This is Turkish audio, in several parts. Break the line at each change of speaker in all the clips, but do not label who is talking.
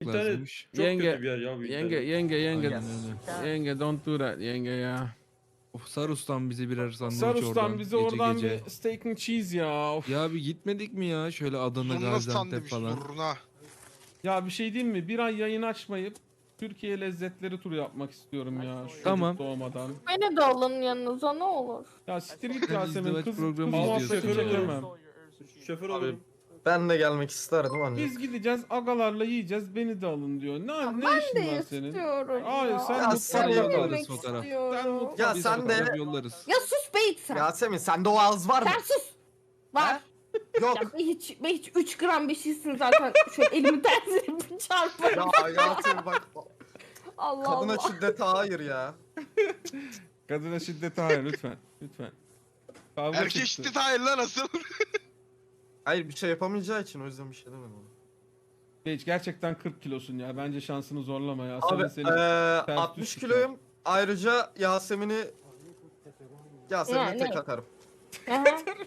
İnternet
lazımmış.
çok
Yenge,
kötü bir yer ya bu
Yenge,
internet.
yenge.
Aynen öyle.
Yenge don't do that yenge ya.
Of, sar ustam bize birer sandviç
Sar
oradan.
ustam bize
Gece
oradan
gece.
bir steak and cheese ya. Of.
Ya bir gitmedik mi ya? Şöyle Adana,
Zurna
Gaziantep
sandviç
falan.
zurna.
Ya bir şey diyeyim mi? Bir ay yayın açmayıp Türkiye lezzetleri turu yapmak istiyorum ya. Şu
Tamam.
çocuk doğmadan.
Beni de alın yanınıza ne olur.
Ya siktir git
Sen
Yasemin.
izdivaç
Kız
programı
muhabbeti
izliyorsun ya.
çekemem.
Şoför
Abi,
olurum.
ben de gelmek isterdim ancak.
Biz gideceğiz agalarla yiyeceğiz beni de alın diyor. Ne işin var
De
senin?
istiyorum
Hayır,
ya.
sen
Ya
mutfağa
sen
gel.
yollarız
Yemek
fotoğraf.
istiyorum.
Ya
Biz
sen de
fotoğraf yollarız.
Ya sus Beyt sen.
Yasemin sende o ağız var mı?
Sen sus. Var.
Yok.
Ya ben hiç 3 gram bir şeysin zaten. Şöyle elimi tersine bir çarparım.
Ya Yasemin bak
Allah
kadına
Allah.
şiddete hayır ya.
Kadına şiddete hayır lütfen. Lütfen. Kavga
Erkek
çıktı.
şiddet hayır lan asıl.
Hayır bir şey yapamayacağı için o yüzden bir şey demedim ona.
Geç gerçekten 40 kilosun ya. Bence şansını zorlama ya.
Abi
Seni
60
tutar.
kiloyum. Ayrıca Yasemin'i
Yani.
tek atarım.
Aha.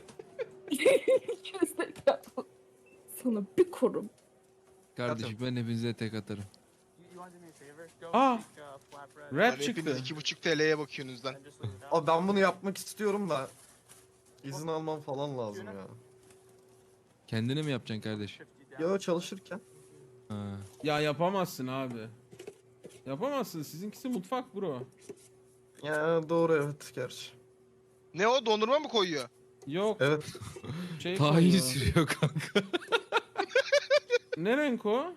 Sana bir korum.
Kardeşim ben hepinize tek atarım.
Aa! Rap
Hepiniz
çıktı.
2,5 TL'ye bakıyorsunuz lan.
Abi ben bunu yapmak istiyorum da izin almam falan lazım ya.
Kendine mi yapacaksın kardeş?
Ya çalışırken.
Ha.
Ya yapamazsın abi. Yapamazsın. Sizinkisi mutfak bro.
Ya doğru evet gerçi.
Ne o dondurma mı koyuyor?
Yok.
Evet.
Şey
Tahin
koyuyor.
sürüyor kanka.
Ne renk o?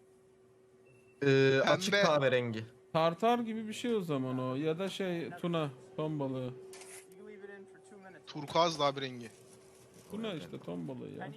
Açık
Pembe.
kahverengi.
Tartar gibi bir şey o zaman o. Ya da şey tuna. Ton balığı.
Turkuaz da bir rengi.
Tuna işte ton balığı ya.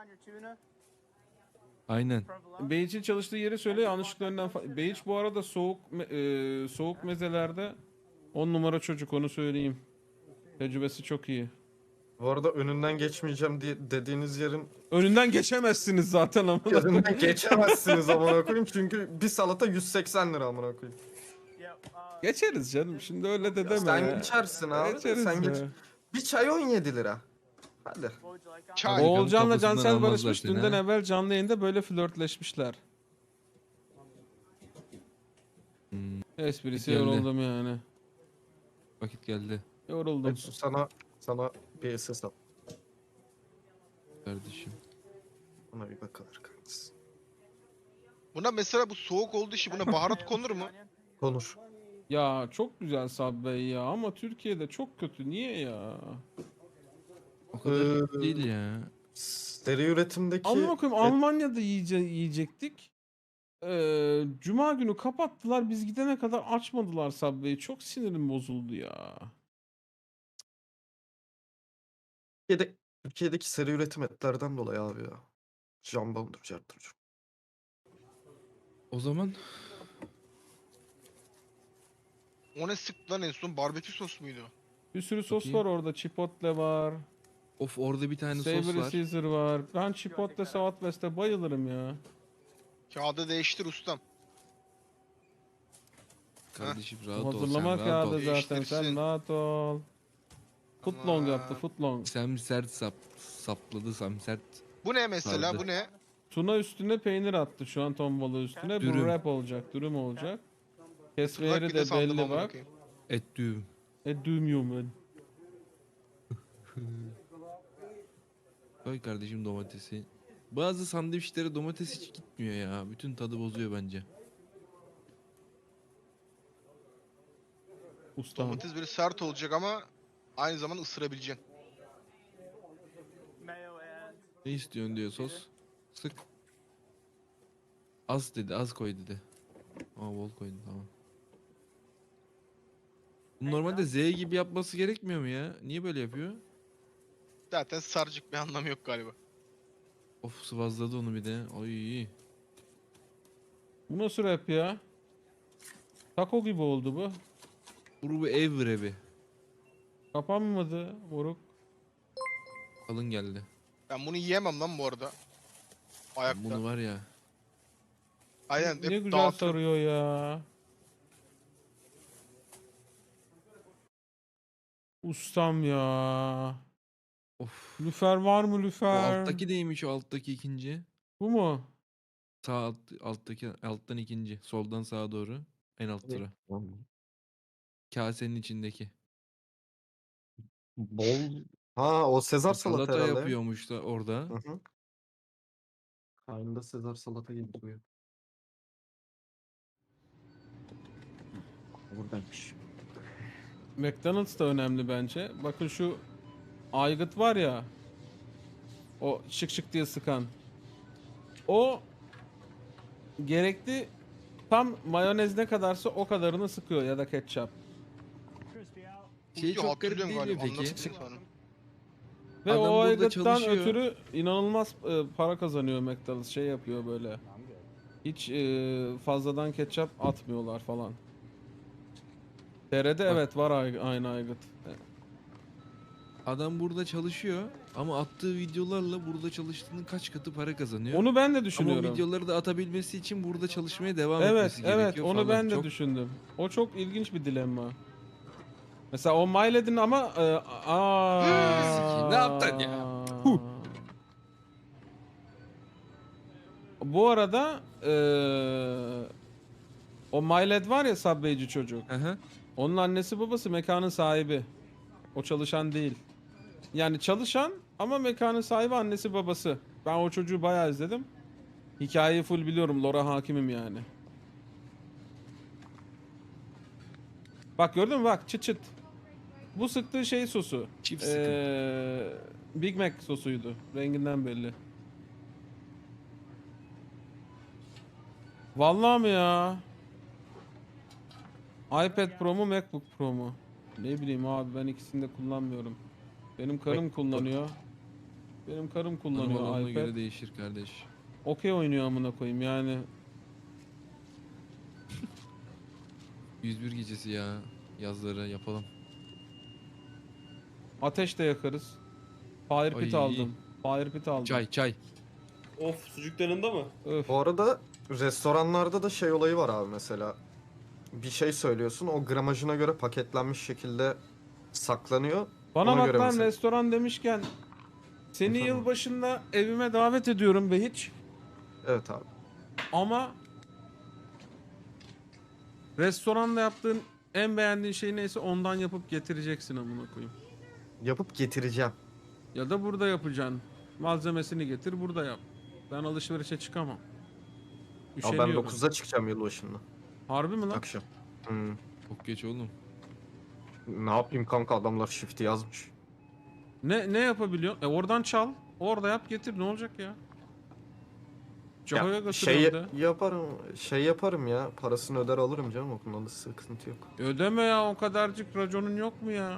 Aynen.
Beyiç'in çalıştığı yeri söyle yanlışlıkla önden Beyiç bu arada soğuk mezelerde 10 numara çocuk onu söyleyeyim. Tecrübesi çok iyi.
Bu arada önünden geçmeyeceğim diye dediğiniz yerin
Önünden geçemezsiniz zaten ama.
önünden geçemezsiniz amına koyayım çünkü bir salata 180 lira amına koyayım.
Geçeriz canım. Şimdi öyle de deme
Sen
ya.
geçersin abi.
Geçeriz
Sen
ya.
geç. Bir çay 17 lira. Hadi.
Çay.
Oğulcan'la
Kapısından
Cansel
almazlar
barışmış.
seni,
Dünden
ha?
evvel canlı yayında böyle flörtleşmişler. Esprisi
Geldi.
yoruldum yani.
Vakit geldi
Yoruldum.
Hepsi sana bir SS al.
kardeşim.
Buna bir bakılır kanks.
Buna mesela bu soğuk olduğu için buna baharat konur mu?
Konur.
Ya çok güzel Subway ya ama Türkiye'de çok kötü. Niye ya?
O kadar değil ya.
Seri üretimdeki
Amına koyayım Almanya'da yiyecektik. Cuma günü kapattılar. Biz gidene kadar açmadılar Subway'i. Çok sinirim bozuldu ya.
Türkiye'deki seri üretim etlerden dolayı abi ya. Jambondur, carttır.
O zaman
O ne sıktı lan en son? Barbekü sos muydu?
Bir sürü sos
Bakayım.
var orada. Chipotle var.
of orada bir tane sos
Savory
var.
Caesar var. Ben Chipotle Southwest'e bayılırım ya.
Kağıdı değiştir ustam.
Kardeşim rahat ol sen
Hazırlama
rahat ol.
kağıdı zaten.
Değiştirsin.
Sen rahat ol. Footlong yaptı. Footlong.
Sem sert sapladı sem sert.
Bu ne mesela?
Sardı.
Bu ne?
Tuna üstüne peynir attı şu an ton balığı üstüne. Bu
Dürüm.
wrap olacak. Dürüm olacak. Kesme
Tırnak
yeri
bir de
de
sandım
belli
amına
bak.
koyayım.
Et düğüm.
Düm ben.
Koy kardeşim domatesi. Bazı sandviçlere domates hiç gitmiyor ya. Bütün tadı bozuyor bence.
Ustam.
Domates böyle sert olacak ama aynı zamanda ısırabileceksin.
Ne istiyorsun diyor sos. Sık. Az dedi, az koy dedi. Aa bol koydum tamam. Bu normalde Z gibi yapması gerekmiyor mu ya? Niye böyle yapıyor?
Zaten sarcık bir anlamı yok galiba.
Of sıvazladı onu bir de. Ay.
Bu nasıl wrap ya? Taco gibi oldu bu.
Bu ev wrap'i.
Kapanmadı moruk.
Kalın geldi.
Ben bunu yiyemem lan bu arada. Ayakta.
Bunu var ya.
Aynen
Ne
hep
güzel
dağıtırım.
sarıyor ya. Ustam ya.
Of.
Lüfer var mı
O
lüfer?
alttaki neymiş o alttaki ikinci?
Bu mu?
alttaki alttan ikinci. Soldan sağa doğru. En alt sıra. Kasenin içindeki.
Bol. Ha, o Sezar salata
Salata
herhalde.
yapıyormuş da orada.
Hı hı. Kaynında Sezar salata gibi duruyor. Buradaymış.
McDonald's da önemli bence. Bakın şu aygıt var ya. O şık şık diye sıkan. O gerekli tam mayonez ne kadarsa o kadarını sıkıyor ya da ketçap.
Şey
Yo,
çok garip
hatırlıyorum
değil mi
galiba,
peki?
anlatsana sonra.
Ve
Adam
o
burada
aygıttan
çalışıyor.
ötürü inanılmaz para kazanıyor McDonald's. Şey yapıyor böyle. Hiç fazladan ketçap atmıyorlar falan. TR'de evet var aynı aygıt.
Adam burada çalışıyor ama attığı videolarla burada çalıştığının kaç katı para kazanıyor.
Onu ben de
Ama o
düşünüyorum.
videoları da atabilmesi için burada çalışmaya devam
Evet,
etmesi
evet.
gerekiyor
Onu
falan.
ben de
Çok
düşündüm. O çok ilginç bir dilemma. Mesela o Miled'in ama
Sikeyim, ne yaptın ya? Huh.
Bu arada o Miled var ya Subway'ci çocuk.
Aha.
Onun annesi babası mekanın sahibi. O çalışan değil. Yani çalışan ama mekanın sahibi annesi babası. Ben o çocuğu bayağı izledim. Hikayeyi full biliyorum. Lore hakimim yani. Bak gördün mü bak çıt çıt. Bu sıktığı şey sosu.
Çift sıkım.
Big Mac sosuydu. Renginden belli. Vallahi mi ya? iPad Pro mu MacBook Pro mu? Ne bileyim abi ben ikisini de kullanmıyorum. Benim karım
MacBook.
kullanıyor. Benim karım
Hanım
kullanıyor
adamına
iPad.
göre değişir kardeş.
Okey oynuyor amına koyayım yani.
101 gecesi ya. Yazları yapalım.
Ateş de yakarız. Fire pit
Ay.
aldım. Fire pit aldım.
Çay.
Of, sucuklarında mı?
Öf.
Bu arada restoranlarda da şey olayı var abi mesela. Bir şey söylüyorsun, o gramajına göre paketlenmiş şekilde saklanıyor.
Bana
Ona
bak
göre
lan
mesela.
restoran demişken seni
Efendim?
yılbaşında evime davet ediyorum be hiç.
Evet abi.
Ama restoranda yaptığın en beğendiğin şey neyse ondan yapıp getireceksin amına koyayım.
Yapıp getireceğim.
Ya da burada yapacaksın. Malzemesini getir burada yap. Ben alışverişe çıkamam.
Ya ben
Üşeniyorum.
9'da çıkacağım yılbaşında.
Harbi mi lan?
Akşam. Hmm.
Çok geç oğlum.
Ne yapayım kanka, adamlar shift'i yazmış.
Ne yapabiliyorsun? Oradan çal. Orada yap getir ne olacak ya? Caho'ya
Ya,
götürüyorum de.
yaparım ya. Parasını öder alırım canım, o konuda sıkıntı yok.
Ödeme ya o kadarcık raconun yok mu ya?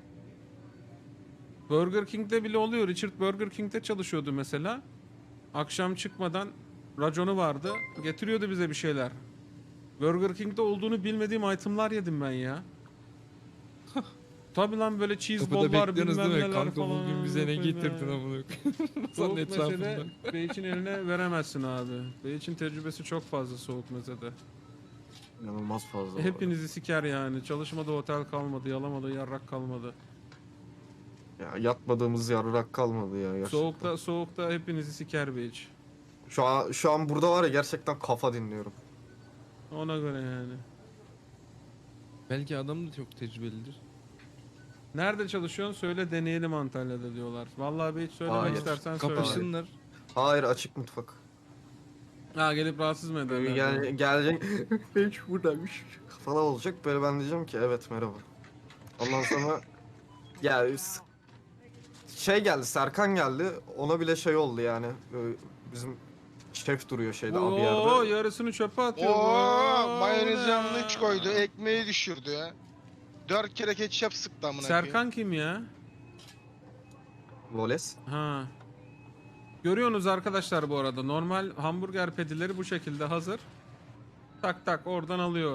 Burger King'de bile oluyor. Richard Burger King'de çalışıyordu mesela. Akşam çıkmadan raconu vardı. Getiriyordu bize bir şeyler. Burger King'de olduğunu bilmediğim itemlar yedim ben ya. Tabi lan böyle cheese
Kapıda
ball'lar
bekliyorsunuz
bilmem
değil mi?
neler
Kanka
falan.
bugün bize ne
Koyayım
getirdin
ya.
amına koyayım. Masanın
Soğuk mesele
etrafında.
Beyç'in eline veremezsin abi. Beyç'in tecrübesi çok fazla soğuk mesede.
İnanılmaz fazla.
Hepinizi siker yani. Çalışmadı otel kalmadı, yalamadı yarrak kalmadı.
Ya yatmadığımız yarrak kalmadı ya gerçekten.
Soğukta hepinizi siker Beyç.
Şu an burada var ya, gerçekten kafa dinliyorum.
Ona göre yani.
Belki adam da çok tecrübelidir.
Nerede çalışıyorsun? Söyle deneyelim Antalya'da diyorlar. Vallahi bir hiç söylemek
Hayır.
istersen söyle.
Kapışsınlar.
Hayır, açık mutfak.
Ha gelip rahatsız mı ederler?
Gelecek. Hiç buradaymış. Falan olacak, böyle ben diyeceğim ki evet merhaba. Ondan sonra ya şey geldi, Serkan geldi, ona bile şey oldu yani. Böyle bizim şef duruyor şeyde abi
Oo,
yerde.
yarısını çöpe atıyor.
Oo,
bu.
mayonez
Ne?
yanlış koydu. Ekmeği düşürdü ya. 4 kere ketçap sıktı amına koyayım.
Serkan kim ya?
Voles.
Ha. Görüyorsunuz arkadaşlar bu arada. Normal hamburger pedileri bu şekilde hazır. Tak tak oradan alıyor.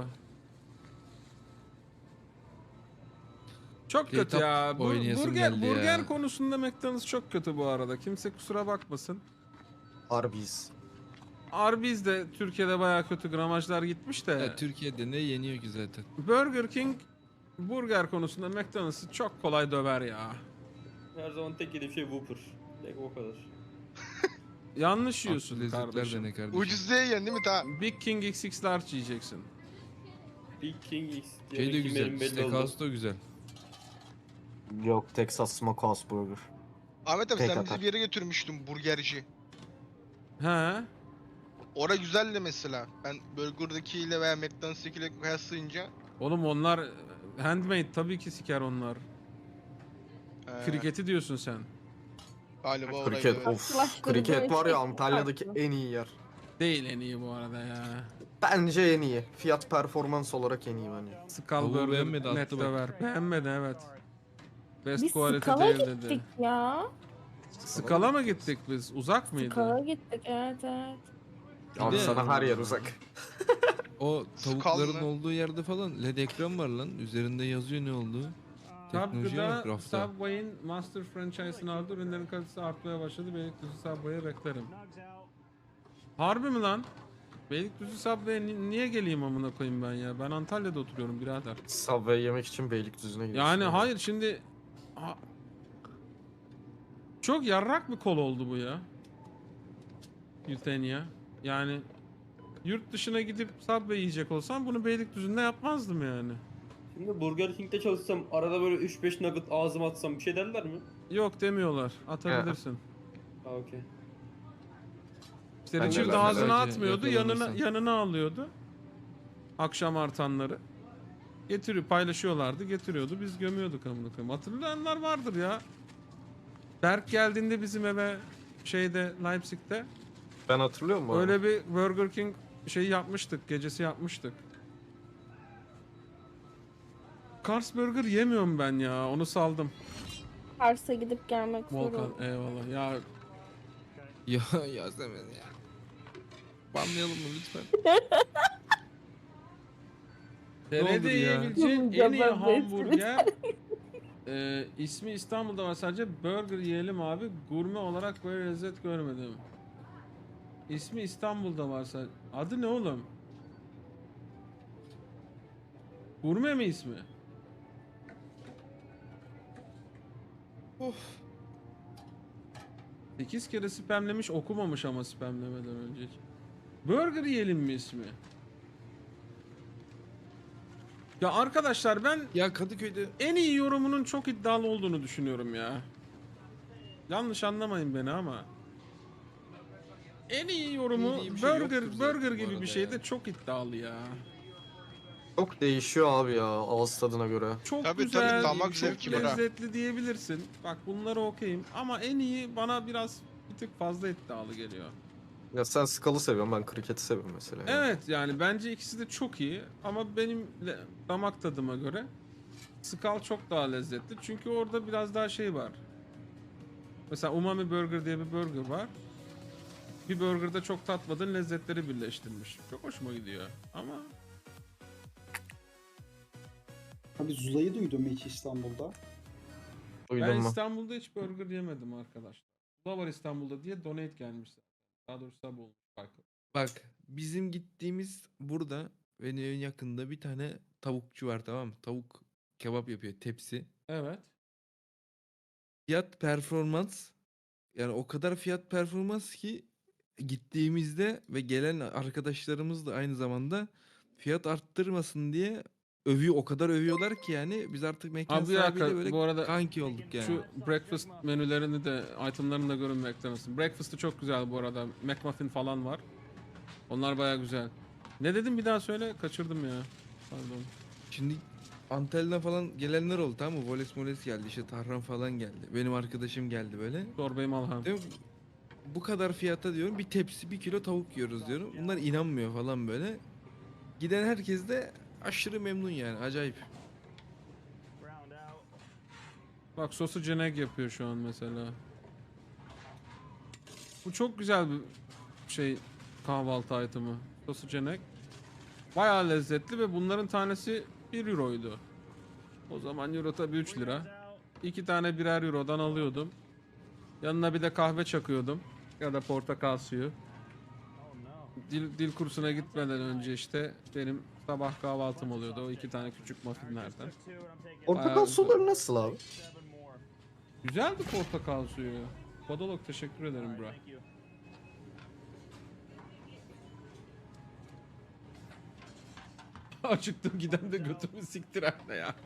Çok kötü
K-Top
ya.
oynayasım geldi ya.
Burger konusunda McDonald's çok kötü bu arada. Kimse kusura bakmasın.
Arby's.
Arby's de Türkiye'de bayağı kötü gramajlar gitmiş de.
Ya, Türkiye'de ne yeniyor ki zaten?
Burger King burger konusunda McDonald's'ı çok kolay döver ya.
Her zaman tek yediğim şey Whopper. Tek o kadar.
Yanlış
Farklı
yiyorsun
lezzetler
kardeşim.
dene kardeşim.
Ucuz diye yiyorsun değil mi ta?
Big King XX large yiyeceksin.
Big King X.
Şey de
Yemek
güzel.
yemeyelim belli oldu.
Steakhouse da güzel.
Yok, Texas Smokehouse Burger.
Ahmet abi
Tek
sen
atar.
bizi bir yere götürmüştün burgerci.
He.
Ora güzeldi mesela. Ben Burger'dakiyle veya McDonald's'takiyle kıyaslayınca
Oğlum onlar handmade tabii ki siker onlar.
ee,
Kriketi diyorsun sen.
galiba oraydı.
Kriket,
Evet.
of.
Karşılaştırdığı
Kriket var ya
şey
Antalya'daki
farklı.
en iyi yer.
Değil en iyi bu arada ya.
Bence en iyi. Fiyat performans olarak en iyi bence.
Skull
Tavuğu
Burger
beğenmedi, attı
net
bak.
döver. Beğenmedi evet. Best
Biz
quality
Skala'ya
değil
gittik
dedi.
ya.
Skala mı gittik biz? Uzak mıydı?
Skala'ya gittik evet evet.
Abi
de-
sana her yer uzak.
O tavukların
Skull mı?
olduğu yerde falan LED ekran var lan. Üzerinde yazıyor ne olduğu. Teknolojiye bak
Tabgıda
rafta.
Subway'in Master franchise'ını aldı. Ürünlerin kalitesi artmaya başladı. Beylikdüzü Subway'e beklerim. Harbi mi lan? Beylikdüzü Subway'e niye geleyim amına koyayım ben ya? Ben Antalya'da oturuyorum birader.
Subway yemek için Beylikdüzü'ne gidiyorsun.
Yani hayır şimdi... Çok yarrak bir kol oldu bu ya. Yutenya. Yani yurt dışına gidip Subway yiyecek olsam bunu Beylikdüzü'nde yapmazdım yani.
Şimdi Burger King'de çalışsam arada böyle 3-5 nugget ağzıma atsam bir şey derler mi?
Yok demiyorlar. Atabilirsin.
Ha okey.
İşte
Ben de
Richard
ben de
ağzına
sadece
atmıyordu,
yakalanırsan.
yanına alıyordu. Akşam artanları. Getiriyor, paylaşıyorlardı, getiriyordu. Biz gömüyorduk amına koyayım. Hatırlayanlar vardır ya. Berk geldiğinde bizim eve şeyde Leipzig'te
Ben hatırlıyorum bu arada.
öyle bir Burger King şeyi yapmıştık, gecesi yapmıştık. Kars Burger yemiyorum ben ya, onu saldım.
Kars'a gidip gelmek zor
Volkan
oldu.
eyvallah. Ya
Ya Yasemin ya. Banlayalım mı lütfen?
TR'de
ya?
yiyebileceğin
Ya
en iyi
ben de
hamburger ismi İstanbul'da var sadece burger yiyelim abi. Gurme olarak böyle lezzet görmedim. İsmi İstanbul'da var sadece. Adı ne oğlum? Gurme mi ismi? Of. 8 kere spamlemiş okumamış ama spamlemeden önce hiç. Burger yiyelim mi ismi? Ya arkadaşlar ben
Ya Kadıköy'de
en iyi yorumunun çok iddialı olduğunu düşünüyorum ya. Yanlış anlamayın beni ama. En iyi yorumu
İyi bir şey
burger
yoktur zaten
burger
bu
gibi
arada
bir şeyde
ya.
çok iddialı ya.
Çok değişiyor abi ya ağız tadına göre.
Çok
Tabii,
güzel,
tabii, damak
çok
zevki bırak.
lezzetli diyebilirsin. Bak bunları okuyayım ama en iyi bana biraz bir tık fazla iddialı geliyor.
Ya sen Skull'ı seviyorsun, ben Cricket'i seviyorum mesela. yani.
Evet yani bence ikisi de çok iyi ama benim damak tadıma göre Skull çok daha lezzetli çünkü orada biraz daha şey var. Mesela Umami Burger diye bir burger var. Bir burgerda çok tatmadığın lezzetleri birleştirmiş. Çok hoşuma gidiyor ama
Abi Zula'yı duydun mu hiç İstanbul'da?
Duydun
ben
mu?
İstanbul'da hiç burger yemedim arkadaşlar. Zula var İstanbul'da diye donate gelmiş. Daha doğrusu sub olmuş farkı.
bak bizim gittiğimiz burada benim evin yakında bir tane tavukçu var, tamam mı? Tavuk kebap yapıyor, tepsi.
Evet.
Fiyat performans, yani o kadar fiyat performans ki gittiğimizde ve gelen arkadaşlarımız da aynı zamanda fiyat arttırmasın diye o kadar övüyorlar ki yani biz artık mekan
Abi bir dakika,
sahibiyle böyle
bu arada
kanki olduk yani.
Şu breakfast menülerini de itemlarını da görünmekte misin? Breakfast'ı çok güzel bu arada. McMuffin falan var. Onlar baya güzel. Ne dedim bir daha söyle. Kaçırdım ya. Pardon.
Şimdi Antalya'dan falan gelenler oldu, tamam mı? Voles moles geldi, işte Tahran falan geldi. Benim arkadaşım geldi böyle.
Çorbayı malham.
Diyorum, bu kadar fiyata diyorum bir tepsi 1 kilo tavuk yiyoruz diyorum. Bunlar inanmıyor falan böyle. Giden herkes de aşırı memnun yani, acayip.
Bak sosu ceneg yapıyor şu an mesela. Bu çok güzel bir şey kahvaltı itemi. Sosu ceneg. Bayağı lezzetli ve bunların tanesi 1 euroydu. O zaman euro tabi 3 lira. 2 tane birer eurodan alıyordum. Yanına bir de kahve çakıyordum. Ya da portakal suyu. Dil kursuna gitmeden önce işte benim sabah kahvaltım oluyordu. O 2 tane küçük muffinlerden.
Portakal
Bayağı
suları nasıl abi?
Güzeldi portakal suyu. Kodolog teşekkür ederim bro. Acıktım giden de götümü siktir anne ya.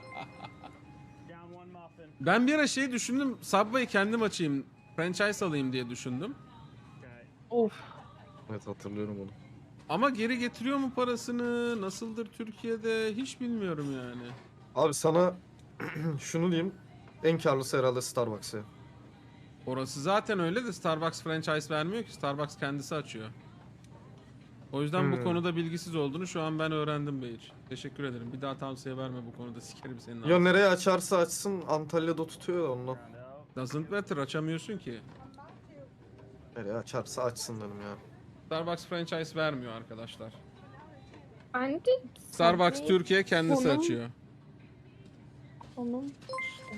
Ben bir ara şey düşündüm. Subway kendim açayım. Franchise alayım diye düşündüm.
Of.
Evet hatırlıyorum onu.
Ama geri getiriyor mu parasını? Nasıldır Türkiye'de? Hiç bilmiyorum yani.
Abi sana şunu diyeyim. En karlısı herhalde Starbucks ya.
Orası zaten öyle de Starbucks franchise vermiyor ki. Starbucks kendisi açıyor. O yüzden bu konuda bilgisiz olduğunu şu an ben öğrendim Beyir. Teşekkür ederim. Bir daha tavsiye verme bu konuda. Sikerim senin
Ya
ağzını.
nereye açarsa açsın Antalya'da tutuyor da ondan.
Doesn't matter. Açamıyorsun ki.
Nereye açarsa açsın dedim ya.
Starbucks franchise vermiyor arkadaşlar.
Bence
Starbucks
Subway
Türkiye kendisi
konum-
açıyor.
Onun işte.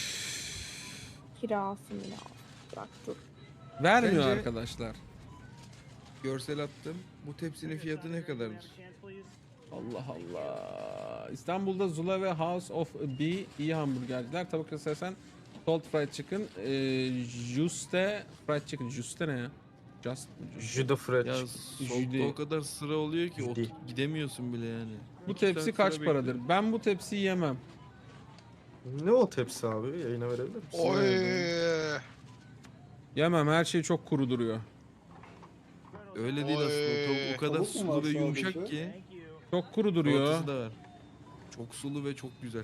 Kirası mı ya? Bırak dur.
Vermiyor
Bence-
arkadaşlar.
Görsel attım. Bu tepsinin fiyatı ne kadardır?
Allah Allah. İstanbul'da Zula ve House of B iyi hamburgerciler. Tavuk istersen Salt Fried Chicken, Juste Fried Chicken. Juste ne ya? Just.
Jude French.
Ya
Jüdi.
solda o kadar sıra oluyor ki
Jüdi.
gidemiyorsun bile yani.
Bu
2
tepsi
saat
kaç
sıra
paradır?
bekliyorum.
Ben bu tepsiyi yemem.
Ne o tepsi abi? Yayına verebilir misin?
Oy.
Yemem. Her şey çok kuru duruyor.
Öyle değil
Oy.
aslında. O kadar
Tavuk mu var
sulu ve yumuşak
sadece?
ki.
Çok kuru duruyor.
Salatası da var. Çok sulu ve çok güzel.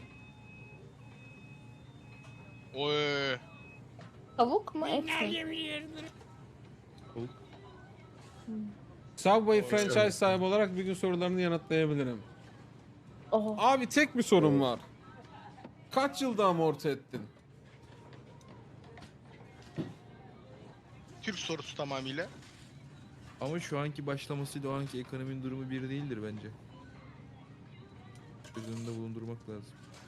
Oy.
Tavuk mu et mi?
Tavuk.
Subway franchise sahibi olarak bir gün sorularını yanıtlayabilirim.
Oh.
Abi tek bir sorun var. Kaç yılda amorti ettin?
Türk sorusu tamamıyla.
Ama şu anki başlamasıyla o anki ekonominin durumu bir değildir bence. Göz önünde bulundurmak lazım.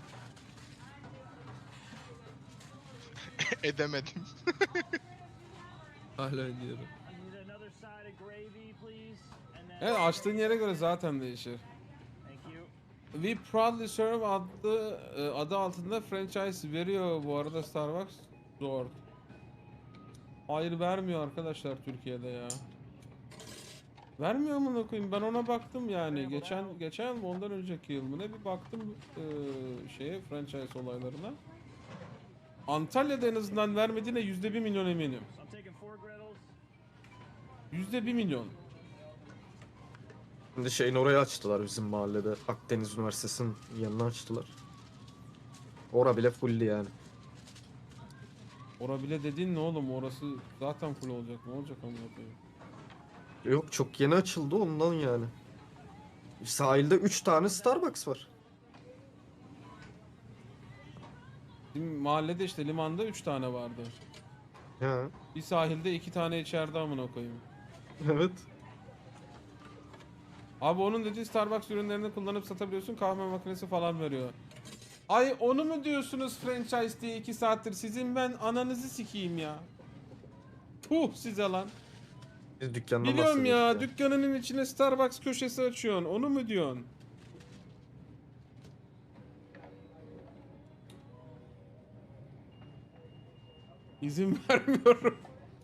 Edemedim.
Hala diyorum.
Evet, açtığın yere göre zaten değişir. We proudly serve adı altında franchise veriyor bu arada Starbucks. Zor. Hayır vermiyor arkadaşlar Türkiye'de ya. Vermiyor mu koyayım? Ben ona baktım yani. Geçen yıl mı ondan önceki yıl mı ne bir baktım şeye franchise olaylarına. Antalya'da en azından vermediğine %1 milyon eminim. %1 milyon.
Şimdi şeyin oraya açtılar bizim mahallede. Akdeniz Üniversitesi'nin yanına açtılar. Ora bile fulli yani.
Ora bile dediğin ne oğlum? Orası zaten full olacak. Ne olacak amına koyayım?
Yok çok yeni açıldı ondan yani. Sahilde 3 tane Starbucks var.
Bizim mahallede işte limanda 3 tane vardı.
Ha,
Bir sahilde 2 tane içeride amına koyayım.
evet.
Abi onun dediği Starbucks ürünlerini kullanıp satabiliyorsun, kahve makinesi falan veriyor. Ay onu mu diyorsunuz franchise diye 2 saattir? Sizin ben ananızı sikeyim ya. Tuh size lan.
Biz dükkandan
Biliyorum ya,
bahsediyoruz
dükkanının içine Starbucks köşesi açıyorsun. Onu mu diyorsun? İzin vermiyorum.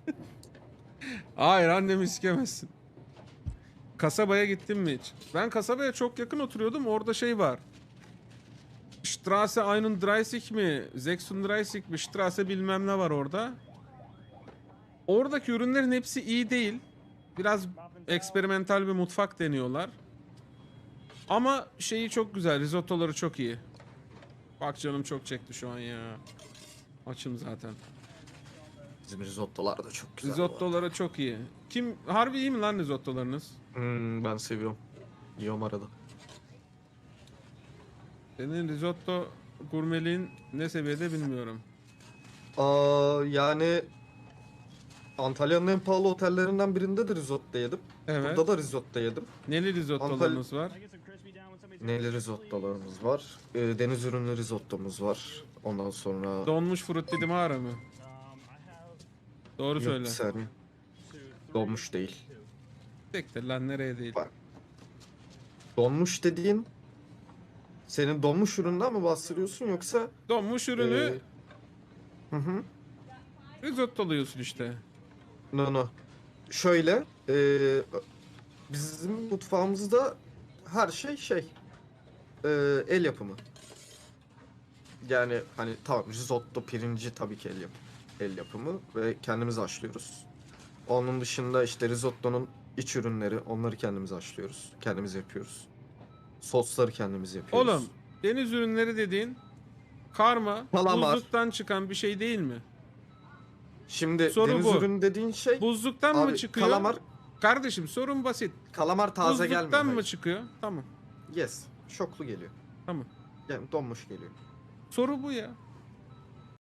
Hayır annemi sikemezsin. Kasabaya gittin mi hiç? Ben kasabaya çok yakın oturuyordum. Orada şey var. Straße 31 mi? 36 mi? Straße bilmem ne var orada. Oradaki ürünlerin hepsi iyi değil. Biraz eksperimental bir mutfak deniyorlar. Ama şeyi çok güzel. Risottoları çok iyi. Bak canım çok çekti şu an ya. Açım zaten.
Bizim risottolar da çok güzel.
Risottoları çok iyi. Harbi iyi mi lan risottolarınız?
Ben seviyorum. Yiyorum arada.
Senin risotto gurmeliğin ne seviyede bilmiyorum.
Yani Antalya'nın en pahalı otellerinden birinde de risotto yedim.
Evet.
Burada da risotto yedim.
Neli risottolarınız var?
Neli risottolarımız var. Deniz ürünlü risottomuz var. Ondan sonra...
Donmuş frutti di mare mi? Doğru
Yok,
söyle.
bir saniye. Donmuş değil.
Siktir lan nereye değil.
Bak. Donmuş dediğin... Senin donmuş üründen mi bahsediyorsun yoksa...
Donmuş ürünü
Hı hı.
risottoluyorsun işte.
No. Şöyle, bizim mutfağımızda her şey el yapımı. Yani hani tamam risotto pirinci tabii ki el yapımı ve kendimiz haşlıyoruz. Onun dışında işte risottonun iç ürünleri onları kendimiz haşlıyoruz. Kendimiz yapıyoruz. Sosları kendimiz yapıyoruz.
Oğlum deniz ürünleri dediğin karma,
Kalamar.
buzluktan çıkan bir şey değil mi?
Şimdi
Soru
deniz
bu.
ürünü dediğin şey
Buzluktan mı
abi,
çıkıyor?
kalamar
Sorun basit.
taze gelmiyor.
Buzluktan mı
hayır.
çıkıyor? Tamam.
Yes. Şoklu geliyor.
Tamam.
Yani donmuş geliyor.
Soru bu ya.